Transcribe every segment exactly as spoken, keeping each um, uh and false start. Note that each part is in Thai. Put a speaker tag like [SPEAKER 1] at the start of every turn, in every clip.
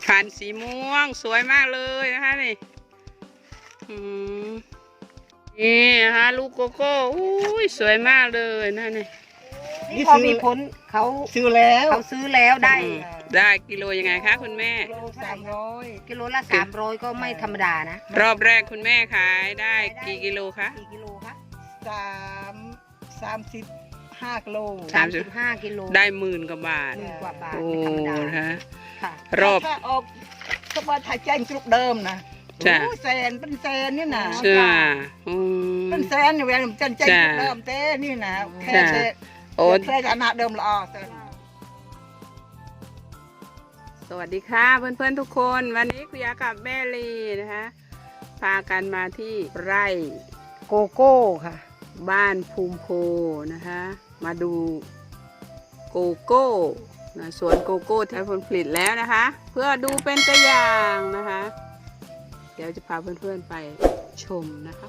[SPEAKER 1] พันธุ์สีม่วงสวยมากเลยนะคะนี่อืมนี่นะคะลูกโกโก้อุ้ยสวยมากเลยนะนี่
[SPEAKER 2] นี่พอมีผลเขา
[SPEAKER 3] ซื้อแล้ว
[SPEAKER 2] เขาซื้อแล้วได้
[SPEAKER 1] ได้กิโลยังไงคะคุณแม่
[SPEAKER 3] โลสามร้อย
[SPEAKER 2] กิโลละสามร้อยก็ไม่ธรรมดานะ
[SPEAKER 1] รอบแรกคุณแม่ขายได้กี่กิโลคะ
[SPEAKER 2] กี่กิโลคะ
[SPEAKER 3] สามสามสิบห้ากิโล
[SPEAKER 2] สามสิบห้ากิโล
[SPEAKER 1] ได้หมื่นกว่าบาท
[SPEAKER 2] หมื่นกว่าบาท
[SPEAKER 1] โอ้
[SPEAKER 2] ไม่ธรรมดา
[SPEAKER 1] นะคะ
[SPEAKER 2] ค่ะ
[SPEAKER 1] รอบ
[SPEAKER 3] ถ้าออกก็ว่าถ่ายแจ้งจุดเดิมนะ
[SPEAKER 1] จ้ะ
[SPEAKER 3] โอ้แสนเป็นแสนนี่นะ
[SPEAKER 1] เชื่ออืม
[SPEAKER 3] เป็นแสนอยู่เวลาจันแจ้งจุดเดิมเต้นี่นะแค่
[SPEAKER 1] จ้ะ
[SPEAKER 3] เต้
[SPEAKER 1] โอ้
[SPEAKER 3] แค่ฐานะเดิมละออเต้
[SPEAKER 1] สวัสดีค่ะเพื่อนๆทุกคนวันนี้คุยกับแม่ลีนะคะพากันมาที่ไร่
[SPEAKER 2] โกโก้ค่ะ
[SPEAKER 1] บ้านภูมิโพนะคะมาดูโกโก้นะสวนโกโก้ที่ผลผลิตแล้วนะคะ เพื่อดูเป็นตัวอย่างนะคะ เดี๋ยวจะพาเพื่อนๆไปชมนะคะ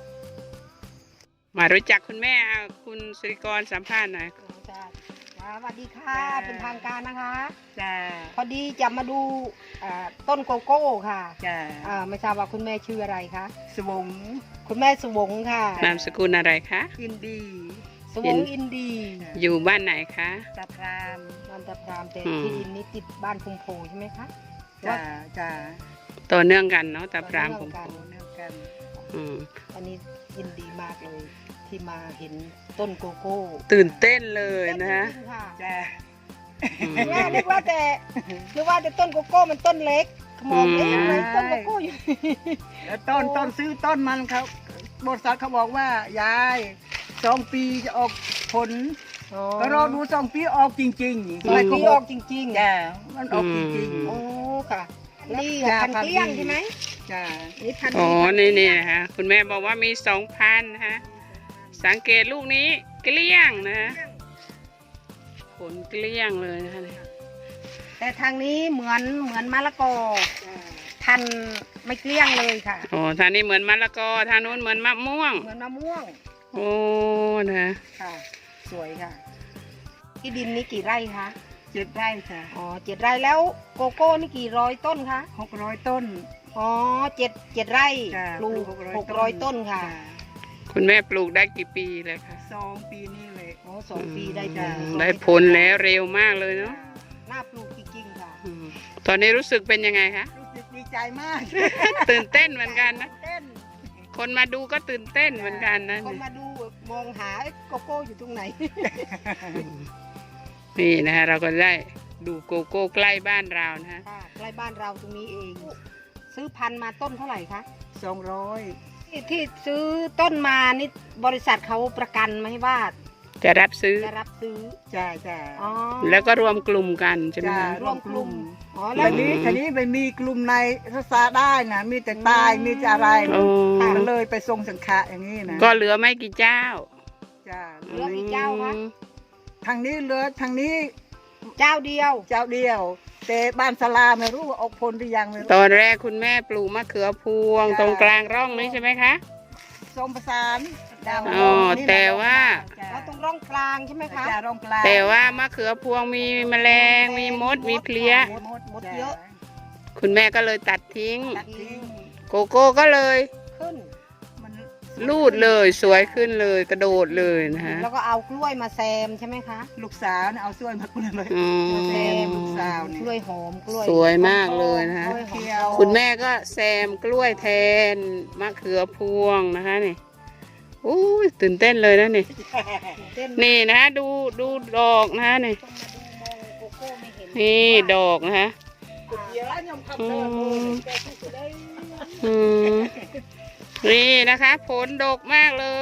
[SPEAKER 1] มารู้จักคุณแม่อ่ะคุณสิริกรสัมภาษณ์หน่อย
[SPEAKER 2] จ้าสวัสดีค่ะ เป็นทางการนะคะ
[SPEAKER 3] จ้า
[SPEAKER 2] พอดีจะมาดูอ่าต้นโกโก้ค่ะ
[SPEAKER 3] จ้า
[SPEAKER 2] อ่าไม่ทราบว่าคุณแม่ชื่ออะไรคะ
[SPEAKER 3] สวง
[SPEAKER 2] คุณแม่สวงค่ะ
[SPEAKER 1] นามสกุลอะไรคะ
[SPEAKER 3] อินดี
[SPEAKER 2] สวงอินดี
[SPEAKER 1] อยู่บ้านไหนคะ
[SPEAKER 3] ตาพราม
[SPEAKER 2] บ้านตะพรามแต่
[SPEAKER 1] อืม
[SPEAKER 2] ที่ดินนี้ติดบ้านพุงโพใช่ไหมคะ
[SPEAKER 3] จ้าจ้า
[SPEAKER 1] ต่อเนื่องกันเนาะแต่พรามผม
[SPEAKER 2] ต่อ
[SPEAKER 3] โอ้เนื่องกัน
[SPEAKER 1] อืม
[SPEAKER 2] อันนี้ยินดีมากเลยที่มาเห็นต้นโกโก้
[SPEAKER 1] ตื่นเต้นเลยนะคะ
[SPEAKER 2] จริงๆค่ะ
[SPEAKER 3] จ้า
[SPEAKER 1] อืม
[SPEAKER 2] แม่นึกว่าแต่นึกว่าแต่ต้นโกโก้มันต้นเล็กมองเอ๊ะ
[SPEAKER 1] อืม
[SPEAKER 2] ทำไมต้นโกโก้อยู่
[SPEAKER 3] แล้วต้นต้นซื้อต้นมันเขาบริษัทเขาบอกว่ายายสองปีจะออกผลก็รอดูสองปีออกจริงๆ
[SPEAKER 2] สองปีออกจริงๆ
[SPEAKER 3] จ้ามันออกจริง
[SPEAKER 2] โอ้ค่ะนี่
[SPEAKER 3] จ้า
[SPEAKER 2] พันเกลี้ยง
[SPEAKER 3] พันธุ์ดี
[SPEAKER 2] ใช่ไหม
[SPEAKER 3] ๆจ้า
[SPEAKER 2] นี่พัน
[SPEAKER 1] อ๋อ
[SPEAKER 2] พั
[SPEAKER 1] นี่
[SPEAKER 2] เกลี้
[SPEAKER 1] นี่
[SPEAKER 2] ยง
[SPEAKER 1] นะคะคุณแม่บอกว่ามีสองพันนะคะสังเกตลูกนี้เกลี้ยงนะคะผลเกลี้ยงเลยนะคะ
[SPEAKER 2] แต่ทางนี้เหมือนเหมือนมะละกอพันไม่เกลี้ยงเลยค่ะ
[SPEAKER 1] โอ้ทางนี้เหมือนมะละกอทางนู้นเหมือนมะม่วง
[SPEAKER 2] เหมือนมะม่วง
[SPEAKER 1] โอ้นะ
[SPEAKER 2] ค่ะ สวยค่ะ ที่ดินนี้กี่ไร่คะ
[SPEAKER 3] เจ็ดไร่ค่ะ
[SPEAKER 2] อ๋อเจ็ดไร่แล้วโกโก้นี่กี่ร้อยต้นคะ
[SPEAKER 3] หกร้อยต้น
[SPEAKER 2] อ๋อเจ็ดเจ็ดไร่
[SPEAKER 3] จ้า
[SPEAKER 2] ปลูก
[SPEAKER 3] ปลูก
[SPEAKER 2] หกร้อยต้นค่ะ
[SPEAKER 3] จ้า
[SPEAKER 1] คุณแม่ปลูกได้กี่ปีเลยคะ
[SPEAKER 3] สองปีนี้เลย
[SPEAKER 2] อ๋อสองปีได้
[SPEAKER 1] อื
[SPEAKER 2] จ้ะ
[SPEAKER 1] มได้ผลแล้วเร็วมากเลยเนาะ
[SPEAKER 2] น่าปลูกจริงๆค่ะ
[SPEAKER 1] อืมตอนนี้รู้สึกเป็นยังไงคะ
[SPEAKER 3] รู้สึกดีใจมาก
[SPEAKER 1] ตื่นเต้นเหมือนกันนะ
[SPEAKER 2] เต้น
[SPEAKER 1] คนมาดูก็ตื่นเต้นเหมือนกันนะ
[SPEAKER 2] คนมาดูมองหาเอ๊ะโกโก้อยู่ตรงไหน
[SPEAKER 1] นี่นะคะเราก็ได้ดูโกโก้ใกล้บ้านเรานะฮะ
[SPEAKER 2] ค่ะใกล้บ้านเราตรงนี้เอง ซื้อพันธุ์มาต้นเท่าไหร่คะ
[SPEAKER 3] สองร้อย
[SPEAKER 2] ที่ที่ซื้อต้นมานี่บริษัทเขาประกันไหมว่า
[SPEAKER 1] จะรับซื้อ
[SPEAKER 2] จะรับซื้อ
[SPEAKER 3] จ้าจ้า
[SPEAKER 2] อ๋อ
[SPEAKER 1] แล้วก็รวมกลุ่มกันใช่ไหม
[SPEAKER 3] จ้า
[SPEAKER 1] คะ
[SPEAKER 3] รวมกลุ่ม
[SPEAKER 2] อ๋อ
[SPEAKER 3] แล้
[SPEAKER 2] แล้ว ว
[SPEAKER 3] นี้ทีนี้ไม่มีกลุ่มในรักษาได้นะมีแต่ตายมีแต่อะไร
[SPEAKER 1] โอ้
[SPEAKER 3] มันเลยไปทรงสังขะอย่างนี้นะ
[SPEAKER 1] ก็เหลือไม่กี่เจ้า
[SPEAKER 3] จ้า
[SPEAKER 2] เหลืออีกเจ้าคะ
[SPEAKER 1] อืม
[SPEAKER 3] ทางนี้เหลือทางนี้
[SPEAKER 2] เจ้าเดียว
[SPEAKER 3] เจ้าเดียว แต่บ้านสลาไม่รู้ว่าออกผลหรือยังไม่รู้
[SPEAKER 1] ตอนแรกคุณแม่ปลูกมะเขือพวง
[SPEAKER 3] จ้ะ
[SPEAKER 1] ตรงกลางร่องนี้ใช่ไหมคะ
[SPEAKER 3] ส้มประสานดาว
[SPEAKER 1] อ๋อ
[SPEAKER 3] นี่นะ
[SPEAKER 1] แต่ว่า
[SPEAKER 3] จ้า
[SPEAKER 2] แล้วตรงร่องกลางใช่ไหมคะ
[SPEAKER 3] จ้าร่องกลาง
[SPEAKER 1] แต่ว่ามะเขือพวงมีแมลงมีมดมีเพลี้ย
[SPEAKER 2] มดมดมดเยอะ
[SPEAKER 1] คุณแม่ก็เลยตัดทิ้ง
[SPEAKER 3] ตัดทิ้ง
[SPEAKER 1] โกโก้ก็เลย
[SPEAKER 2] ขึ้น
[SPEAKER 3] มัน
[SPEAKER 1] ลูดเลยสวยขึ้นเลยกระโดดเลยนะฮะ
[SPEAKER 2] แล้วก็เอากล้วยมาแซมใช่ไหมคะ
[SPEAKER 3] ลูกสาวเนี่ยเอาส่วนมาคุณเลย
[SPEAKER 1] อื
[SPEAKER 2] มาแซ
[SPEAKER 1] ม
[SPEAKER 2] ม
[SPEAKER 3] ลูกสาวนี่
[SPEAKER 2] กล้วยหอมกล้วย
[SPEAKER 1] สวยมากเลยนะคะ
[SPEAKER 2] กล้วยหอม
[SPEAKER 3] เขียว
[SPEAKER 1] คุณแม่ก็แซมกล้วยแทนมะเขือพวงนะคะนี่อู้ยตื่นเต้นเลยนะนี่
[SPEAKER 2] เต้น
[SPEAKER 1] นี่นะดูดูดอกนะนี่
[SPEAKER 2] ต้องมาดูมองโกโก้ไม่เห็น
[SPEAKER 1] นี่ดอกนะคะ
[SPEAKER 3] เยอะยำคำ
[SPEAKER 1] อื
[SPEAKER 3] เดิม
[SPEAKER 1] มอืมนี่นะคะ ผลดกมากเลย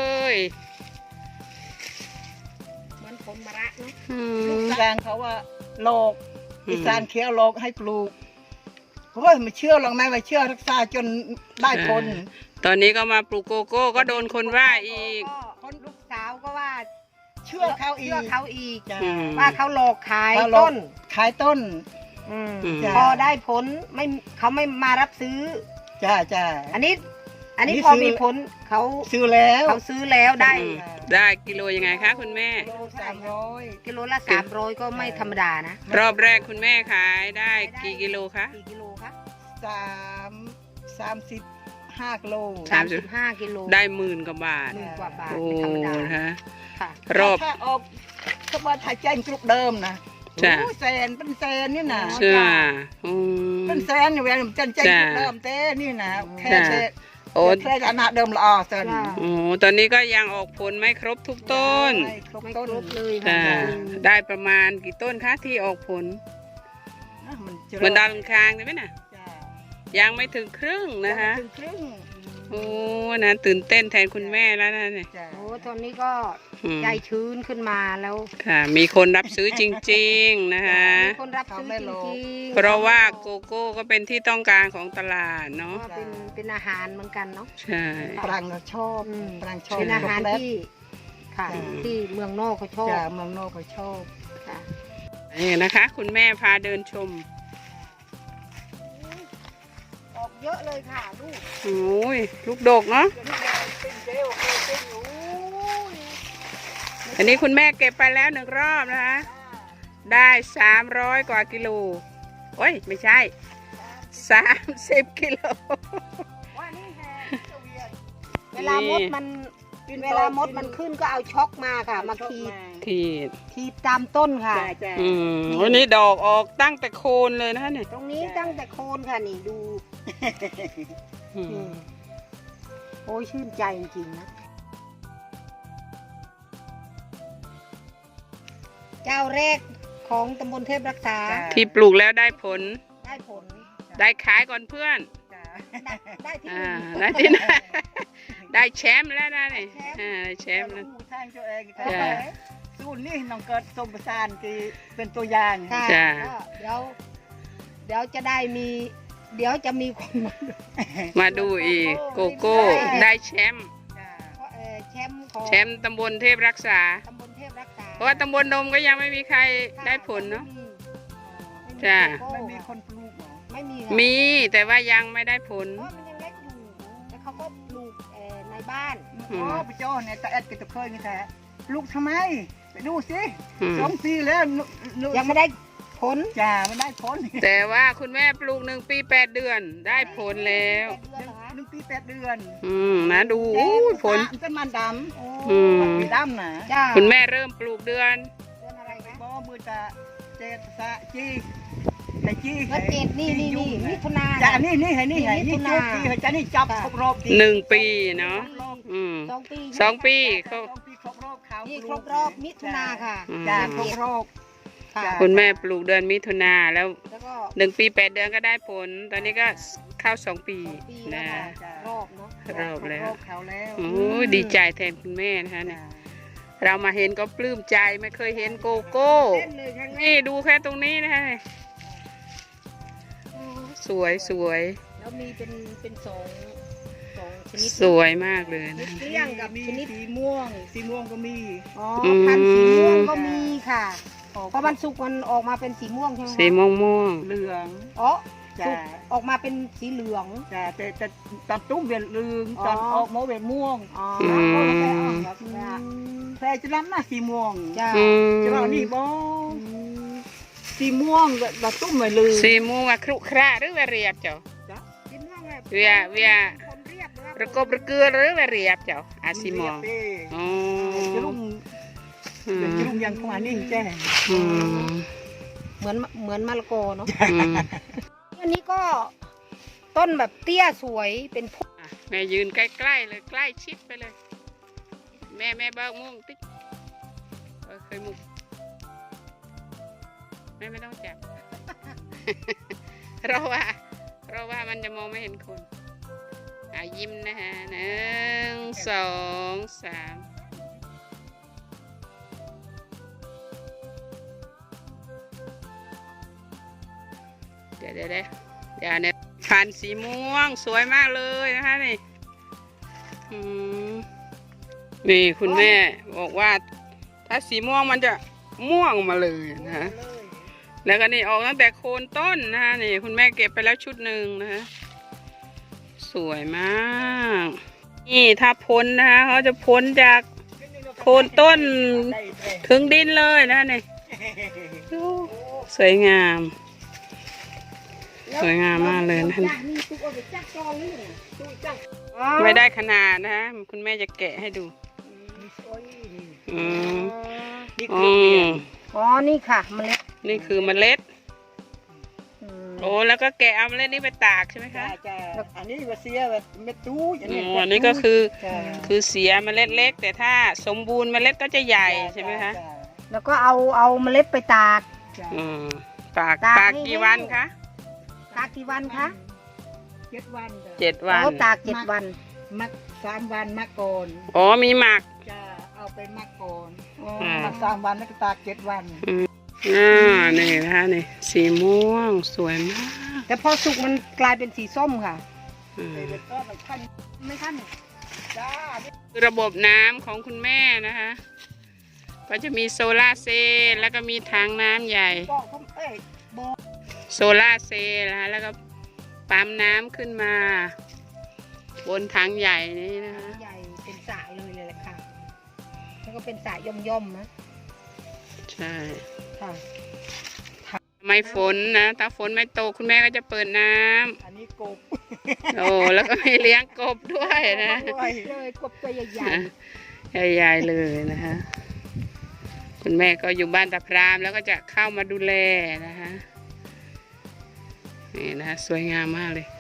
[SPEAKER 2] เหมือนผลมะระเนาะ
[SPEAKER 1] อื
[SPEAKER 3] ลู
[SPEAKER 1] ม
[SPEAKER 3] กสางเขาว่าโลก
[SPEAKER 1] อืม
[SPEAKER 3] อีสานเขียวโลกให้ปลูกโอ้ยไม่เชื่อหรอกแม่ไม่เชื่อรักษาจนได้ผล
[SPEAKER 1] ตอนนี้ก็มาปลูกโกโก้ก็โดนคนว่าอีก
[SPEAKER 2] คนลูกสาวก็ว่า
[SPEAKER 3] เชื่อเขาอีก
[SPEAKER 2] เชื่อเขาอีก
[SPEAKER 3] จ้ะ
[SPEAKER 1] อืม
[SPEAKER 2] ว่าเขาหลอกขาย
[SPEAKER 3] เขาหลอก
[SPEAKER 2] ต้น
[SPEAKER 3] ขายต้น
[SPEAKER 2] อืม
[SPEAKER 1] อืม
[SPEAKER 3] จ้ะ
[SPEAKER 2] พอได้ผลไม่เขาไม่มารับซื้อ
[SPEAKER 3] จ้าจ้า
[SPEAKER 2] อันนี้ อันนี้
[SPEAKER 3] นี่
[SPEAKER 2] พอ
[SPEAKER 3] ซื้อ
[SPEAKER 2] มีผลเขา
[SPEAKER 3] ซื้อแล้ว
[SPEAKER 2] เขาซื้อแล้วได้
[SPEAKER 1] อืม
[SPEAKER 2] ไ
[SPEAKER 1] ได้กิโลยังไงคะคุณแม่
[SPEAKER 3] โลสามร้อย
[SPEAKER 2] กิโลละสามร้อยก็ไม่ธรรมดานะ
[SPEAKER 1] รอบแรกคุณแม่ขายได้กี่กิโลคะ
[SPEAKER 2] กี่กิโลคะ
[SPEAKER 3] สามสามสิบห้ากิโล
[SPEAKER 1] สามสิบ
[SPEAKER 2] ห้ากิโล
[SPEAKER 1] ได้หมื่นกว่าบาท
[SPEAKER 2] หมื่นกว่าบาท
[SPEAKER 1] โอ้
[SPEAKER 2] ไม่ธรรมดา
[SPEAKER 1] นะคะ
[SPEAKER 2] ค่ะ
[SPEAKER 1] รอบ
[SPEAKER 3] ถ้าออกก็ว่าถ่ายแจ้งกรุ๊ปเดิมนะ
[SPEAKER 1] จ้ะ
[SPEAKER 3] โอ้แสนเป็นแสนนี่นะ
[SPEAKER 1] ใช่ไหมอืม
[SPEAKER 3] เป็นแสนอยู่เวลาจันแจ้งกรุ๊ปเดิมเต้นี่นะแค่
[SPEAKER 1] จ้ะ
[SPEAKER 3] เต้
[SPEAKER 1] โอ้
[SPEAKER 3] แค่ฐานะเดิมละออเซน
[SPEAKER 2] จ้ะ
[SPEAKER 1] โอ้ตอนนี้ก็ยังออกผลไม่ครบทุกต้น
[SPEAKER 3] ไม่ครบ
[SPEAKER 2] ไม่
[SPEAKER 3] ต้น
[SPEAKER 2] ครบเลย
[SPEAKER 1] จ้ะ
[SPEAKER 2] ค่ะ
[SPEAKER 1] ได้ประมาณกี่ต้นคะที่ออกผล
[SPEAKER 3] อ่ะมันจะ
[SPEAKER 1] เหมือนดาวอังคารใช่ไหมน่ะ
[SPEAKER 3] จ้ะ
[SPEAKER 1] ยังไม่ถึงครึ่งนะคะ
[SPEAKER 3] ถึงครึ่ง
[SPEAKER 1] โอ้นะตื่นเต้นแทนคุณแม่แล้วนะเนี่ย
[SPEAKER 3] จ้ะ
[SPEAKER 2] โอ้ตอนนี้ก็
[SPEAKER 1] อืม
[SPEAKER 2] ใจชื้นขึ้นมาแล้ว
[SPEAKER 1] ค่ะ มีคนรับซื้อจริงๆนะคะ
[SPEAKER 2] มีคนรับซื้อจริงๆ
[SPEAKER 1] เพราะว่าโกโก้ก็เป็นที่ต้องการของตลาดเนาะ
[SPEAKER 2] ก็เป็นเป็นอาหารเหมือนกันเนาะ
[SPEAKER 1] ใช่
[SPEAKER 3] ปรังก็ชอบ
[SPEAKER 2] อืม
[SPEAKER 3] ปรังชอบ
[SPEAKER 2] เป็นอาหาร
[SPEAKER 3] ช็อกโกแลต
[SPEAKER 2] ที่ค่ะ
[SPEAKER 3] จ้ะ
[SPEAKER 2] ที่เมืองนอกเขาชอบ
[SPEAKER 3] จ้ะเมืองนอกก็ชอบ
[SPEAKER 2] ค่ะ
[SPEAKER 1] นี่นะคะ คุณแม่พาเดินชม
[SPEAKER 2] ออกเยอะเลยค่ะลูก
[SPEAKER 1] โอ้ยลูกดกเนาะ
[SPEAKER 3] เป็นเจลเป็นอยู่
[SPEAKER 1] อันนี้คุณแม่เก็บไปแล้วหนึ่งรอบนะคะ ได้สามร้อยกว่ากิโลโอ้ยไม่ใช่สามสิบกิโล
[SPEAKER 3] ว่านี่แฮเวียน
[SPEAKER 2] เวลามดมัน เวลามดมันขึ้นก็เอาช็อกมาค่ะ มาขีด
[SPEAKER 1] ขีด
[SPEAKER 2] ขีดตามต้นค่ะ
[SPEAKER 3] จ้ะจ้ะ
[SPEAKER 1] อืมวันนี้ดอกออกตั้งแต่โคนเลยนะคะเนี่ย
[SPEAKER 2] ตรงนี้ตั้งแต่โคนค่ะนี่ดู
[SPEAKER 1] อืม
[SPEAKER 2] นี่โอ้ยชื่นใจจริงๆนะ เจ้าแรกของตำบลเทพรักษา
[SPEAKER 3] จ้ะ
[SPEAKER 1] ที่ปลูกแล้วได้ผล
[SPEAKER 2] ได้ผล
[SPEAKER 1] ได้ขายก่อนเพื่อน
[SPEAKER 3] จ้ะ
[SPEAKER 2] ได้ได้ที่
[SPEAKER 1] อ่า
[SPEAKER 2] หนึ่ง
[SPEAKER 1] ได้ที่ไหน ได้แชมป์แล้วนะนี่อ่าได้แชมป์แล้ว
[SPEAKER 3] ผู้ทางตัวเอง
[SPEAKER 2] เออ
[SPEAKER 3] สู้นี่น้องเกิดสมประสานคือเป็นตัวอย่าง
[SPEAKER 2] ค่ะ
[SPEAKER 1] จ้ะ
[SPEAKER 2] ก็เดี๋ยว เดี๋ยวจะได้มี เดี๋ยวจะมีคนมาดู
[SPEAKER 1] มาดูอีกโกโก้ได้แชมป์
[SPEAKER 3] จ้ะ
[SPEAKER 2] เอ่อแชมป์ของ
[SPEAKER 1] แชมป์ตำบลเทพรักษา
[SPEAKER 2] ตำบลเทพรักษา
[SPEAKER 1] เพราะว่าตำบลนมก็ยังไม่มีใครได้ผลเนาะ
[SPEAKER 2] ไม่มี
[SPEAKER 1] จ้ะ
[SPEAKER 3] ไม่มีคนปลูกเหรอ
[SPEAKER 2] ไม่มีค่ะ
[SPEAKER 1] มีแต่ว่ายังไม่ได้ผล
[SPEAKER 2] เพราะมันยังเล็กอยู่แล้วเขาก็ปลูกเอ่อในบ้าน
[SPEAKER 1] อืม
[SPEAKER 3] อ๋อไปจ้อเนี่ยตาแอดกับตะเคยนี่แท้ปลูกทำไมไปดูสิ
[SPEAKER 1] อืม
[SPEAKER 3] สองปีแล้วลูก
[SPEAKER 2] ยังไม่ได้ผล
[SPEAKER 3] จ้าไม่ได้ผล
[SPEAKER 1] แต่ว่าคุณแม่ปลูกหนึ่งปีแปดเดือนได้ผลแล้ว
[SPEAKER 2] แปดเดือนเหรอคะ
[SPEAKER 3] หนึ่งปีแปดเดือน
[SPEAKER 1] อืมนะดูอู้ยผล
[SPEAKER 3] ต้นมันด
[SPEAKER 2] โอ้
[SPEAKER 1] อืม
[SPEAKER 3] ำมันมีดำนะ
[SPEAKER 2] จ้า
[SPEAKER 1] คุณแม่เริ่มปลูกเดือน
[SPEAKER 2] เดือนอะไรคะ
[SPEAKER 3] บ่มือตาเจตสะจีไอ้จี
[SPEAKER 2] ก็เจ็ดนี่นี่นี่มิถุนา
[SPEAKER 3] จ้านี่นี่ให้นี่ให้
[SPEAKER 2] มิ
[SPEAKER 3] นี่
[SPEAKER 2] ถุ
[SPEAKER 3] จุ
[SPEAKER 2] นา
[SPEAKER 3] ดที่ให้จ้านี่จับครบรอบดี
[SPEAKER 1] หนึ่งปีเนาะอืม
[SPEAKER 2] สองปี
[SPEAKER 1] สองปี
[SPEAKER 3] ส
[SPEAKER 1] เขา
[SPEAKER 3] องปีครบรอบเขา
[SPEAKER 2] นี่
[SPEAKER 3] นี่
[SPEAKER 2] ครบรอบมิถุนาค่ะ
[SPEAKER 1] อืม
[SPEAKER 3] จ้าครบรอบ
[SPEAKER 2] ค่ะ
[SPEAKER 3] จ้ะ
[SPEAKER 1] คุณแม่ปลูกเดือนมิถุนาแล้ว
[SPEAKER 2] แล้วก็
[SPEAKER 1] หนึ่งปีแปดเดือนก็ได้ผล ตอนนี้ก็เข้าสองปี
[SPEAKER 2] สองปีแล้ว
[SPEAKER 1] นะ
[SPEAKER 2] ค่ะรอบเนาะ
[SPEAKER 1] รอบแล้ว
[SPEAKER 3] ครบเขาแล้ว
[SPEAKER 1] โอ้ยดีใจแทนคุณแม่นะคะเนี่ยเรามาเห็นก็ปลื้มใจไม่เคยเห็นโกโก้
[SPEAKER 2] เล่นเลยครั้งแร
[SPEAKER 1] นี่
[SPEAKER 2] ก
[SPEAKER 1] ดูแค่ตรงนี้นะคะสวยสวย
[SPEAKER 2] แล้วมีเป็นเป็นสองสองชนิด
[SPEAKER 1] สวยมากเลยนะ
[SPEAKER 2] เลี้ยงกับ
[SPEAKER 3] มี
[SPEAKER 2] ชนิด
[SPEAKER 3] สีม่วง สีม่วงก็มี
[SPEAKER 2] อ๋อ
[SPEAKER 1] อืม
[SPEAKER 2] พันธุ์สีม่วงก็มีค่ะเพราะมันสุกมันออกมาเป็นสีม่วงใช่ไหมคะ
[SPEAKER 1] สีม่วงม่วง
[SPEAKER 3] เหลือง
[SPEAKER 2] อ๋อ
[SPEAKER 3] จ้ะ
[SPEAKER 2] สุกออกมาเป็นสีเหลือง
[SPEAKER 3] จ้ะแต่แต่ตอนตุ้มเวียนเหลือง
[SPEAKER 2] อ๋อ
[SPEAKER 3] ตอนออกมาเวียนม่วง
[SPEAKER 2] อ๋อ
[SPEAKER 1] อืม
[SPEAKER 3] แพรจะรับหน้าสีม่วง
[SPEAKER 2] จ้า
[SPEAKER 1] อืม
[SPEAKER 3] จะว่านี่บ่
[SPEAKER 2] อืม
[SPEAKER 3] สีม่วงตอนตุ้มเวียนเหลือง
[SPEAKER 1] สีม่วงอะครุขระหรือว่าเรียบเจ้า
[SPEAKER 2] สีม่วงแบบ
[SPEAKER 1] เวียเวีย
[SPEAKER 2] คนเรียบหรือว่า
[SPEAKER 1] ประกบประเกลือหรือว่าเรียบเจ้าอาสีม่วง
[SPEAKER 3] เรียบ
[SPEAKER 1] อ๋อ
[SPEAKER 3] เด้จะรุ่ง
[SPEAKER 1] อืม
[SPEAKER 3] จะรุ่งยังของอันนี้แจ้
[SPEAKER 1] อืม
[SPEAKER 2] เหมือนเหมือนมะละกอเนาะ
[SPEAKER 1] อืม
[SPEAKER 2] อันนี้ก็ต้นแบบเตี้ยสวยเป็นพุ่ม
[SPEAKER 1] อ่ะแม่ยืนใกล้ๆเลยใกล้ชิดไปเลย แม่แม่เบิกม่วงติ๊กเออเคยมุกแม่ไม่ต้องจับ เราว่าเราว่ามันจะมองไม่เห็นคนอ่ะยิ้มนะฮะหนึ่งสองสามเดี๋ยวเดี๋ยวเดี๋ยวเดี๋ยวเนี่ยพันธุ์สีม่วงสวยมากเลยนะคะนี่อืมนี่คุณแม่บอกว่า ถ้าสีม่วงมันจะม่วงมาเลยนะฮะ แล้วก็นี่ออกตั้งแต่โคนต้นนะฮะนี่คุณแม่เก็บไปแล้วชุดหนึ่งนะฮะสวยมาก นี่ถ้าพ้นนะคะเขาจะพ้นจากโคนต้น
[SPEAKER 3] ได้ได้
[SPEAKER 1] ถึงดินเลยนะนี่สวยงาม สวยงามมากเลยนะ
[SPEAKER 2] นี่ตุ๊กเอาไปจักจองนี่น่ะตุ๊กจักอ๋อ
[SPEAKER 1] ไม่ได้ขนาดนะฮะคุณแม่จะแกะให้ดู
[SPEAKER 3] มีซอยนี่
[SPEAKER 1] อืม
[SPEAKER 3] นี่
[SPEAKER 1] อื
[SPEAKER 3] คือเรีย
[SPEAKER 1] ม
[SPEAKER 3] น
[SPEAKER 2] อ๋อนี่ค่ะเมล็ด
[SPEAKER 1] นี่คือเมล็ด
[SPEAKER 2] อืม
[SPEAKER 1] โอ้แล้วก็แกะเอาเมล็ดนี้ไปตากใช่ไหม
[SPEAKER 3] จ้า
[SPEAKER 1] คะ
[SPEAKER 3] จ้าอันนี้ว่าเสียว่าเม็ดตู้อย่าง
[SPEAKER 1] อ๋
[SPEAKER 3] นี้
[SPEAKER 1] ออันนี้ก็คือ
[SPEAKER 3] จ้า
[SPEAKER 1] คือเสียเมล็ดเล็ก แต่ถ้าสมบูรณ์เมล็ดก็จะใหญ่ใช่ไหมคะ
[SPEAKER 3] จ้า
[SPEAKER 2] แล้วก็เอาเอาเมล็ดไปตาก
[SPEAKER 3] จ้า
[SPEAKER 1] อืมตาก
[SPEAKER 2] ตาก
[SPEAKER 1] ตาก
[SPEAKER 2] ให้
[SPEAKER 1] กี่
[SPEAKER 2] แห้ง
[SPEAKER 1] วันคะ
[SPEAKER 2] ตากกี่วันคะ
[SPEAKER 3] เจ็ดวันจ้ะ
[SPEAKER 1] เจ็ดวัน
[SPEAKER 2] เอาตากเจ็ดวัน
[SPEAKER 3] มักสามวันมักก่อน
[SPEAKER 1] อ๋อมีหมัก
[SPEAKER 3] จะเอาไปมักก่อน
[SPEAKER 2] อ๋อ
[SPEAKER 1] อ่า
[SPEAKER 3] มักสามวันแล้วก็ตากเจ็ดวัน
[SPEAKER 1] อ่านี่นะคะนี่สีม่วงสวยมาก
[SPEAKER 2] แต่พอสุกมันกลายเป็นสีส้มค่ะ
[SPEAKER 1] อืม
[SPEAKER 3] เลยก็มันขั้น
[SPEAKER 2] ไม่ขั้น
[SPEAKER 3] จ้า
[SPEAKER 1] คือระบบน้ำของคุณแม่นะคะ ก็จะมีโซลาร์เซลล์แล้วก็มีถังน้ำใหญ่
[SPEAKER 3] บอกผมเอ้ยบอก
[SPEAKER 1] โซลาร์เซลล์นะคะแล้วก็ปั๊มน้ำขึ้นมา บนถังใหญ่นี้นะคะ
[SPEAKER 2] ใหญ่เป็นสระเลยเลยแหละค่ะ แล้วก็เป็นสระย่อมๆนะ
[SPEAKER 1] ใช่
[SPEAKER 2] ค่ะ
[SPEAKER 1] ไม่ฝนนะถ้าฝนไม่ตกคุณแม่ก็จะเปิดน้ำ
[SPEAKER 3] อันนี้กบ
[SPEAKER 1] โอ้แล้วก็มีเลี้ยงกบด้วยนะ
[SPEAKER 3] ด้วย
[SPEAKER 2] เลยกบตัวใหญ่
[SPEAKER 1] ใหญ่ๆเลยนะคะ คุณแม่ก็อยู่บ้านตาพรามแล้วก็จะเข้ามาดูแลนะคะนี่นะคะสวยงามมากเลย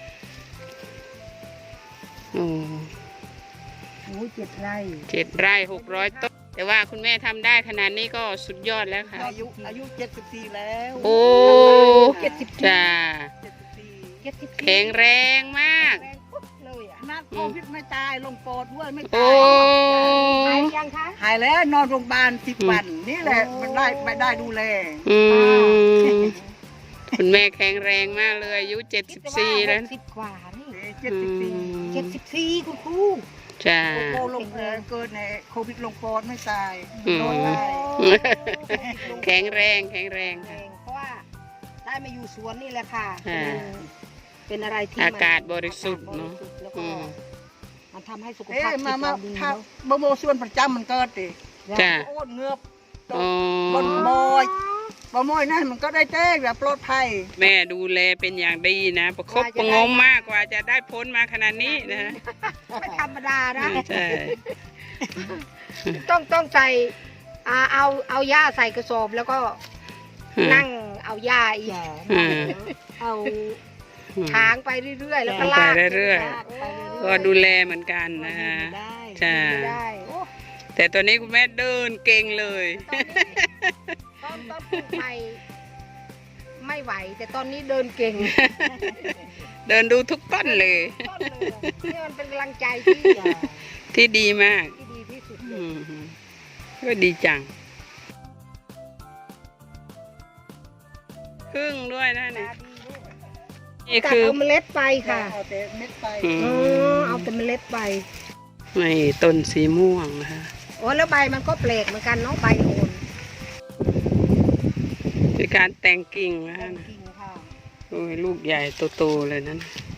[SPEAKER 1] โอ้
[SPEAKER 2] ๆโอ้ยเจ็ดไร่
[SPEAKER 1] เจ็ดไร่หกร้อยต้นแต่ว่าคุณแม่ทำได้ขนาดนี้ก็สุดยอดแล้วค่ะ
[SPEAKER 3] อายุอายุเจ็ดสิบสี่แล้ว
[SPEAKER 1] โอ้
[SPEAKER 2] เจ็ดสิบ
[SPEAKER 1] จ้า
[SPEAKER 3] เจ็ดสิบสี่
[SPEAKER 2] เจ็ดสิบ
[SPEAKER 1] แข็งแรงมาก
[SPEAKER 2] แรงปุ๊บเลยอ่ะ
[SPEAKER 3] นัดโควิดไม่ตายลงปอดด้วยไม่
[SPEAKER 1] โอ้
[SPEAKER 3] ตาย
[SPEAKER 2] หายยังคะ
[SPEAKER 3] หายแล้วนอนโรงพยาบาลสิบวันนี่แหละมันได้ไม่ได้ดูแล
[SPEAKER 1] อืมคุณแม่แข็งแรงมากเลยอายุเจ็ดสิบสี่แล้ว
[SPEAKER 2] สิบกว่านี่
[SPEAKER 3] เจ็ดสิบสี่
[SPEAKER 2] เจ็ดสิบสี่คุณครู
[SPEAKER 1] จ้า
[SPEAKER 3] โคลงเอ่อเกิดในโควิดลงปอดไม่ตาย
[SPEAKER 1] อืม
[SPEAKER 3] นอนได้
[SPEAKER 1] แข็งแรงแข็งแรง
[SPEAKER 2] แร
[SPEAKER 1] ค่ะ
[SPEAKER 2] งเพราะว่าได้มาอยู่สวนนี่แหละค่ะ
[SPEAKER 1] อ่า
[SPEAKER 2] เป็นอะไรที่
[SPEAKER 1] อากาศบริสุทธิ์เนอะ
[SPEAKER 2] อากาศบริสุทธิ์แล้ว
[SPEAKER 1] อื
[SPEAKER 2] ก็
[SPEAKER 1] ม
[SPEAKER 2] มันทำให้สุข
[SPEAKER 3] เอ๊ะ
[SPEAKER 2] ภาพจิต
[SPEAKER 3] มามา
[SPEAKER 2] เราดี
[SPEAKER 3] ถ้า
[SPEAKER 2] เนาะ
[SPEAKER 3] บโมส่วนประจำมันเกิดดิ
[SPEAKER 1] จ้า
[SPEAKER 3] โอ้เงือบ
[SPEAKER 1] อ๋อบ
[SPEAKER 3] นบอยบมอยนั่นมันก็ได้แจ้งแบบปลอดภัย
[SPEAKER 1] แม่ดูแลเป็นอย่างดีนะ ประคบประหงมมากกว่าจะได้พ้นมาขนาดนี้นะฮะ
[SPEAKER 2] ไม่ธรรมดานะ
[SPEAKER 1] ใช่
[SPEAKER 2] ต้องต้องใส่อ่าเอาเอาหญ้าใส่กระสอบแล้วก็นั่งเอาหญ้าอีก
[SPEAKER 1] อืม
[SPEAKER 2] เอาทางไปเรื่อยๆ แล้วก็
[SPEAKER 1] ไป
[SPEAKER 2] ลาก
[SPEAKER 1] เรื่อยๆ
[SPEAKER 2] ลากไปเรื่อยๆ
[SPEAKER 1] ก็ดูแลเหมือนกันนะฮะ
[SPEAKER 3] ได้
[SPEAKER 1] จ้า
[SPEAKER 2] ไม่ได้โอ้
[SPEAKER 1] แต่ตัวนี้คุณแม่เดินเก่งเลย
[SPEAKER 2] ตอนตอนปลูกใหม่ไม่ไหว แต่ตอนนี้เดินเก่ง
[SPEAKER 1] เดินดูทุกต้นเลย
[SPEAKER 2] ต้นเลยนี่มันเป็นกำลังใจที่
[SPEAKER 1] ที่ดีมาก
[SPEAKER 2] ที่ดีที่สุดเล
[SPEAKER 1] อื
[SPEAKER 2] ย
[SPEAKER 1] มก็ดีจังพึ่งด้วยนะนี่นี่
[SPEAKER 2] ตัด
[SPEAKER 1] คือ
[SPEAKER 2] เอาเมล็ดไปค่ะ
[SPEAKER 3] เอาแต่เม็ดไป
[SPEAKER 1] อื
[SPEAKER 2] อ๋อ
[SPEAKER 1] ม
[SPEAKER 2] เอาแต่เมล็ดไป
[SPEAKER 1] นี่ต้นสีม่วงนะคะ
[SPEAKER 2] โอ้แล้วใบมันก็แปลกเหมือนกันเนาะใบโอน
[SPEAKER 1] คือการแต่งกิ่งนะคะ
[SPEAKER 2] กิ่งค่ะ
[SPEAKER 1] โอ้ยลูกใหญ่โตๆเลยนั้น
[SPEAKER 2] อ